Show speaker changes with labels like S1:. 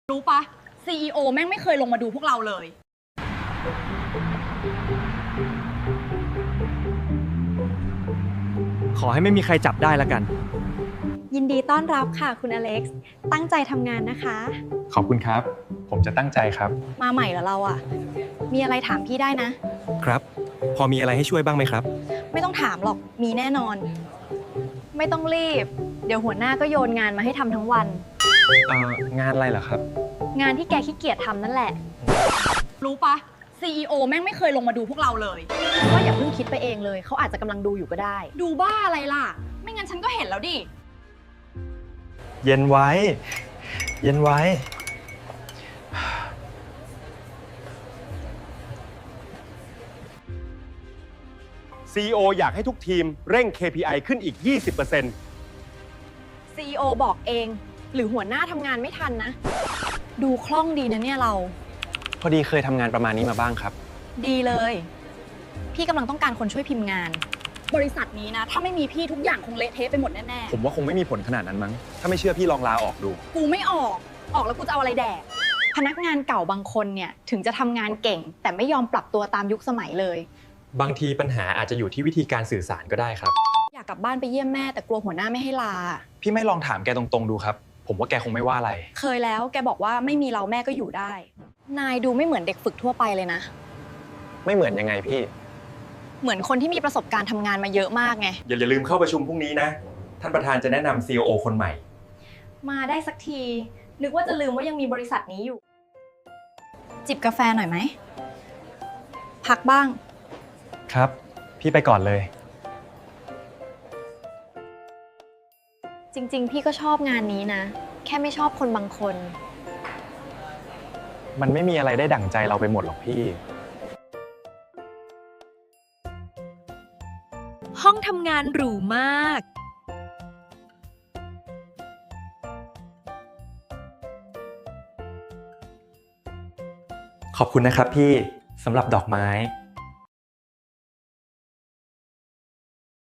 S1: รู้ปะ CEO แม่งไม่เคยลงมาดูพวกเราเลย
S2: ขอให้ไม่มีใครจับได้แล้วกัน
S3: ยินดีต้อนรับค่ะคุณอเล็กซ์ตั้งใจทำงานนะคะ
S4: ขอบคุณครับ ผมจะตั้งใจครับ
S3: มาใหม่เหรอเราอะมีอะไรถามพี่ได้นะ
S2: ครับ พอมีอะไรให้ช่วยบ้างไหมครับ
S3: ไม่ต้องถามหรอกมีแน่นอน ไม่ต้องรีบ เดี๋ยวหัวหน้าก็โยนงานมาให้ทำทั้งวัน
S4: งานอะไรเหรอครับ
S3: งานที่แกขี้เกียจทำนั่นแหละ
S1: รู้ปะ CEO แม่งไม่เคยลงมาดูพวกเราเลย
S3: ว่าอย่าเพิ่งคิดไปเองเลยเขาอาจจะกำลังดูอยู่ก็ได้
S1: ดูบ้าอะไรล่ะ ไม่งั้นฉันก็เห็นแล้วดิ
S4: เย็นไว้ เย็นไว้
S5: CEO อยากให้ทุกทีมเร่ง KPI ขึ้นอีก 20%
S3: CEO บอกเอง หรือหัวหน้าทำงานไม่ทันนะ ดูคล่องดีนะเนี่ยเรา
S4: พอดีเคยทำงานประมาณนี้มาบ้างครับ
S3: ดีเลย พี่กำลังต้องการคนช่วยพิมพ์งาน
S1: บริษัทนี้นะ ถ้าไม่มีพี่ทุกอย่างคงเละเทะไปหมดแน่
S4: ผมว่าคงไม่มีผลขนาดนั้นมั้ง ถ้าไม่เชื่อพี่ลองลาออกดู
S1: ๆ กูไม่ออก ออกแล้วกูจะเอาอะไรแดก
S3: พนักงานเก่าบางคนเนี่ยถึงจะทำงานเก่ง แต่ไม่ยอมปรับตัวตามยุคสมัยเลย
S6: บางทีปัญหาอาจจะอยู่ที่วิธีการสื่อสารก็ได้ครับ
S3: อยากกลับบ้านไปเยี่ยมแม่แต่กลัวหัวหน้าไม่ให้ลา
S4: พี่ไม่ลองถามแกตรงๆดูครับ ผมว่าแกคงไม่ว่าอะไร
S3: เคยแล้วแกบอกว่าไม่มีเราแม่ก็อยู่ได้ นายดูไม่เหมือนเด็กฝึกทั่วไปเลยนะ
S4: ไม่เหมือนยังไงพี่
S3: เหมือนคนที่มีประสบการณ์ทำงานมาเยอะมากไง
S6: อย่าลืมเข้าประชุมพรุ่งนี้นะ ท่านประธานจะแนะนำ CEO คนใหม่
S3: มาได้สักที นึกว่าจะลืมว่ายังมีบริษัทนี้อยู่ จิบกาแฟหน่อยไหม พักบ้าง
S4: ครับ พี่ไปก่อนเลย
S3: จริงๆ พี่ก็ชอบงานนี้นะ แค่ไม่ชอบคนบางคน
S4: มันไม่มีอะไรได้ดั่งใจเราไปหมดหรอกพี่
S7: ห้องทำงานหรูมาก
S6: ขอบคุณนะครับพี่สำหรับดอกไม้